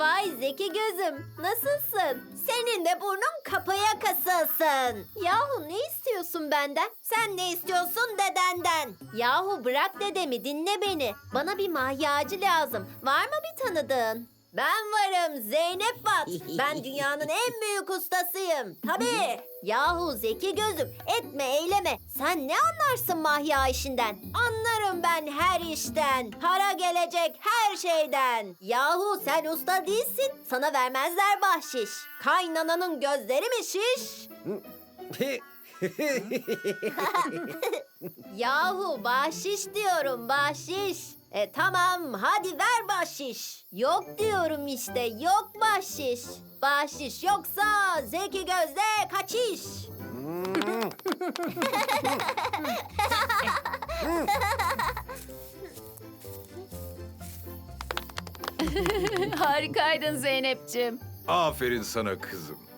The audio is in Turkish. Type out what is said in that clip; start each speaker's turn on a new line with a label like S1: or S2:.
S1: Vay Zeki gözüm, nasılsın? Senin de burnun kapıya kasılsın. Yahu ne istiyorsun benden? Sen ne istiyorsun dedenden? Yahu bırak dedemi, dinle beni. Bana bir mahyacı lazım. Var mı bir tanıdığın? Ben varım, Zeynep Bat. Ben dünyanın en büyük ustasıyım. Tabii. Yahu Zeki gözüm, etme eyleme. Sen ne anlarsın mahya işinden? Anlarım ben her işten. Para gelecek her şeyden. Yahu sen usta değilsin. Sana vermezler bahşiş. Kaynananın gözleri mi şiş? Yahu bahşiş diyorum, bahşiş. Tamam, hadi ver bahşiş. Yok diyorum işte, yok bahşiş. Bahşiş yoksa Zeki Göz'de kaçış.
S2: Harikaydın Zeynep'ciğim.
S3: Aferin sana kızım.